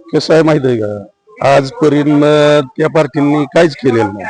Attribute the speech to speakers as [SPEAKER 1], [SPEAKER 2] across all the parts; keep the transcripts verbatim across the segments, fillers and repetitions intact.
[SPEAKER 1] कसं आहे माहित आहे का, आजपर्यंत त्या पार्टींनी काहीच केलेलं नाही.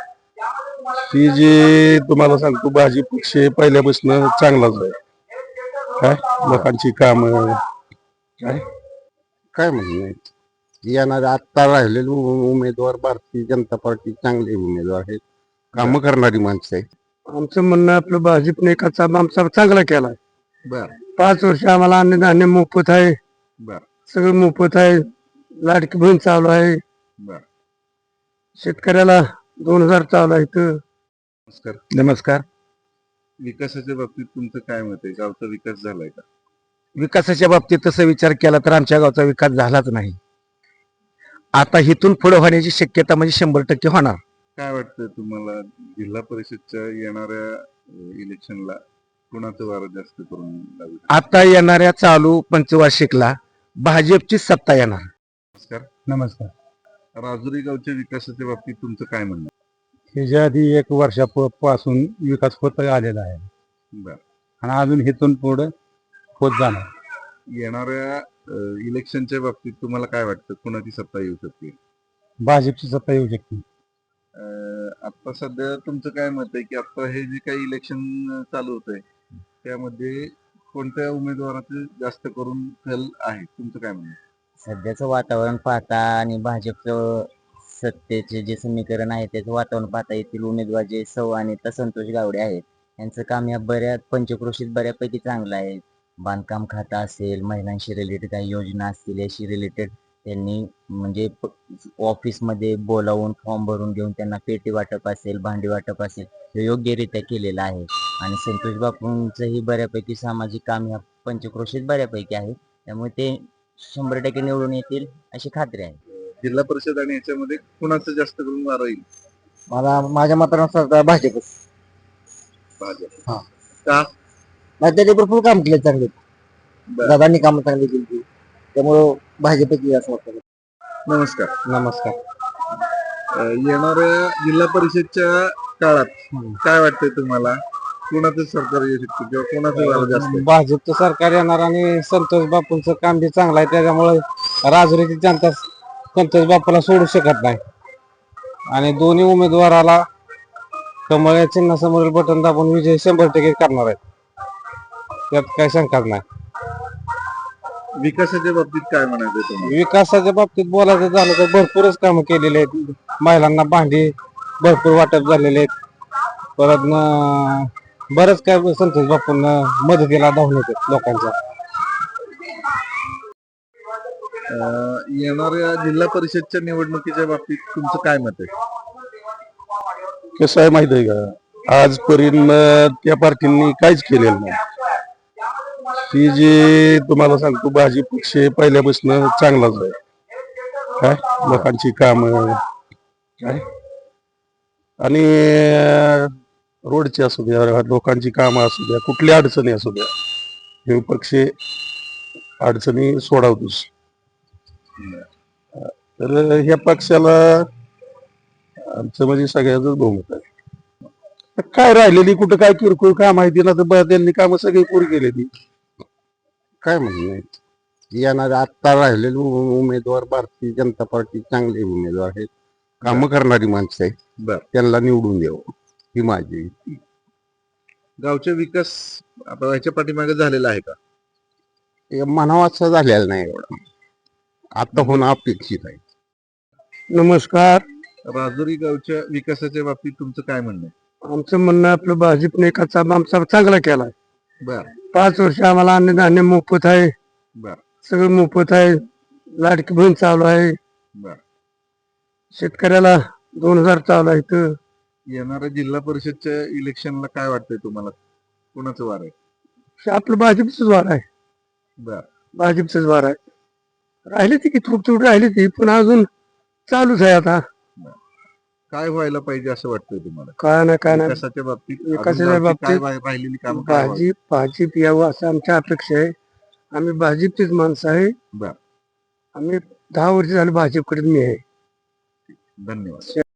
[SPEAKER 1] ही जी तुम्हाला सांगतो, भाजी पक्ष पहिल्यापासून चांगलाच आहे. काय लोकांची काम काय
[SPEAKER 2] काय म्हणणं येणार आता राहिलेले उ- उमेदवार भारतीय जनता पार्टी चांगले उमेदवार आहेत, कामं करणारी माणसं आहेत.
[SPEAKER 3] आमचं म्हणणं आपलं भाजपने कचा आमचा चांगला केलाय.
[SPEAKER 2] बर
[SPEAKER 3] पाच वर्ष आम्हाला अन्नधान्य मोफत आहे,
[SPEAKER 2] बर
[SPEAKER 3] सगळं मोफत आहे. लाडकी बहीण चालू आहे,
[SPEAKER 2] बर
[SPEAKER 3] शेतकऱ्याला दोन हजार चालू आहे. तर
[SPEAKER 4] नमस्कार.
[SPEAKER 3] नमस्कार.
[SPEAKER 4] विकासाच्या बाबतीत तुमचं काय मत आहे? गावचा विकास झालाय का?
[SPEAKER 3] विकासाच्या बाबतीत तसं विचार केला तर आमच्या गावचा विकास झालाच नाही. आता इथून पुढे होण्याची शक्यता म्हणजे शंभर टक्के होणार.
[SPEAKER 4] काय वाटतं तुम्हाला, जिल्हा परिषदच्या येणाऱ्या इलेक्शनला कुणाचं वारं जास्त करून लागू?
[SPEAKER 3] आता येणाऱ्या चालू पंचवार्षिकला भाजपची सत्ता येणार.
[SPEAKER 4] नमस्कार.
[SPEAKER 3] नमस्कार.
[SPEAKER 4] राजुरी गावच्या विकासाच्या बाबतीत तुमचं काय म्हणणं आहे?
[SPEAKER 5] ह्याच्या आधी एक वर्षापासून विकास होत आलेला आहे
[SPEAKER 4] बर.
[SPEAKER 5] आणि अजून इथून पुढे होत जाणार.
[SPEAKER 4] येणाऱ्या इलेक्शनच्या बाबतीत तुम्हाला काय वाटतं, कुणाची सत्ता येऊ शकते?
[SPEAKER 5] भाजपची सत्ता येऊ शकते.
[SPEAKER 4] अं, आता सध्या तुमचं काय मत आहे की आता हे जे काही इलेक्शन चालू होत आहे त्यामध्ये कोणत्या उमेदवाराचे जास्त करून कल आहे, तुमचं काय म्हणणं आहे?
[SPEAKER 6] सध्याचं वातावरण पाहता आणि भाजपचं सत्तेचे जे समीकरण आहे त्याचं वातावरण पाहता, येथील उमेदवार जे सौ आणि संतोष गावडे आहेत यांचं काम या बऱ्याच पंचक्रोशीत बऱ्यापैकी चांगलं आहे. बांधकाम खाता असेल, महिलांशी रिलेटेड काही योजना असतील, याशी रिलेटेड त्यांनी म्हणजे ऑफिसमध्ये बोलावून फॉर्म भरून घेऊन त्यांना पेटी वाटप असेल, भांडी वाटप असेल, हे योग्यरित्या केलेलं आहे. आणि संतोष बापूंचंही बऱ्यापैकी सामाजिक काम या पंचक्रोशीत बऱ्यापैकी आहे, त्यामुळे ते शंभर टक्के निवडून येतील अशी खात्री आहे.
[SPEAKER 4] जिल्हा परिषद आणि याच्यामध्ये कुणाचं जास्त करून वारं येईल?
[SPEAKER 3] मला माझ्या मतानुसार भाजपच.
[SPEAKER 4] भाजप.
[SPEAKER 3] हा.
[SPEAKER 4] का?
[SPEAKER 3] त्यांनी भरपूर काम केले चांगले.
[SPEAKER 4] बरं.
[SPEAKER 3] दादांनी काम चांगली केली, त्यामुळं भाजपची असं वाटतं.
[SPEAKER 4] नमस्कार.
[SPEAKER 3] नमस्कार.
[SPEAKER 4] अं, येणाऱ्या जिल्हा परिषदच्या काळात काय वाटतंय तुम्हाला, कुणाचं सरकार येऊ शकतं किंवा कोणाचं वारं जास्त आहे?
[SPEAKER 5] भाजपचं सरकार येणार आणि संतोष बापूंचं काम बी चांगलं आहे, त्याच्यामुळे राजुरीची जनता संतोष बापूला सोडू शकत नाही. आणि दोन्ही उमेदवाराला कमळ या चिन्हासमोरील बटन दाबून विजय शंभर टक्के करणार आहेत, त्यात काही शंकाच नाही.
[SPEAKER 4] विकासाच्या बाबतीत काय म्हणायचं तुम्हाला?
[SPEAKER 5] विकासाच्या बाबतीत बोलायचं झालं तर भरपूरच कामं केलेली आहेत. महिलांना भांडी भरपूर वाटप झालेले आहेत. परत न बरंच काय संतोष बापूंना मदतीला धावून येतात लोकांच्या.
[SPEAKER 4] अं, येणाऱ्या जिल्हा परिषदच्या निवडणुकीच्या बाबतीत तुमचं काय मत आहे?
[SPEAKER 1] कसं आहे माहित आहे का, आजपर्यंत त्या पार्टींनी काहीच केलेलं नाही. ही जी तुम्हाला सांगतो, भाजी पक्ष पहिल्यापासून चांगलाच आहे. काय लोकांची काम काय आणि रोडची असू द्या, लोकांची कामं असू द्या, कुठल्या अडचणी असू द्या, हे पक्ष अडचणी सोडवतोच. तर ह्या पक्षाला आमचं म्हणजे सगळ्याच बहुमत आहे. तर काय राहिलेली कुठं काय किरकोळ काम आहे ती ना, तर ब- त्यांनी कामं सगळी पूर्ण केलेली.
[SPEAKER 2] काय म्हणणं येणार आता राहिलेले उ- उमेदवार भारतीय जनता पार्टी चांगले उमेदवार आहेत, कामं करणारी माणसं आहेत.
[SPEAKER 4] बर.
[SPEAKER 2] त्यांना निवडून द्यावं ही माझी.
[SPEAKER 4] गावचा विकास आता ह्याच्या पाठीमागे झालेला आहे का?
[SPEAKER 2] हे म्हणावाचा झालेला नाही एवढा, आता होणं अपेक्षित आहे.
[SPEAKER 3] नमस्कार.
[SPEAKER 4] राजुरी गावच्या विकासाच्या बाबतीत तुमचं काय म्हणणं आहे?
[SPEAKER 3] आमचं म्हणणं आपलं भाजपने कचा आमचा चांगला केलाय.
[SPEAKER 4] बर.
[SPEAKER 3] पाच वर्ष आम्हाला अन्नधान्य मोफत आहे,
[SPEAKER 4] बर.
[SPEAKER 3] सगळं मोफत आहे. लाडकी बहीण चालू आहे,
[SPEAKER 4] बर.
[SPEAKER 3] शेतकऱ्याला दोन हजार चालू आहे. तर
[SPEAKER 4] येणाऱ्या जिल्हा परिषदच्या इलेक्शनला काय वाटतंय तुम्हाला, कुणाचं वार आहे?
[SPEAKER 3] आपलं भाजपच वार आहे.
[SPEAKER 4] बर.
[SPEAKER 3] भाजपच वार आहे. राहिले ती की थोडी थोडी राहिली ती, पण अजून चालूच आहे. आता
[SPEAKER 4] काय व्हायला पाहिजे असं वाटतंय तुम्हाला
[SPEAKER 3] काय ना काय ना
[SPEAKER 4] विकासाच्या बाबतीत? अजून
[SPEAKER 3] विकासाच्या
[SPEAKER 4] गावची काय
[SPEAKER 3] बाबतीत
[SPEAKER 4] राह- राहिलेली कामं काय व्हावी?
[SPEAKER 3] भाजी भाजप यावं असं आमच्या अपेक्षा आहे. आम्ही भाजपचीच माणसं आहे.
[SPEAKER 4] बर.
[SPEAKER 3] आम्ही दहा वर्ष झाली भाजपकडे मी आहे.
[SPEAKER 4] धन्यवाद.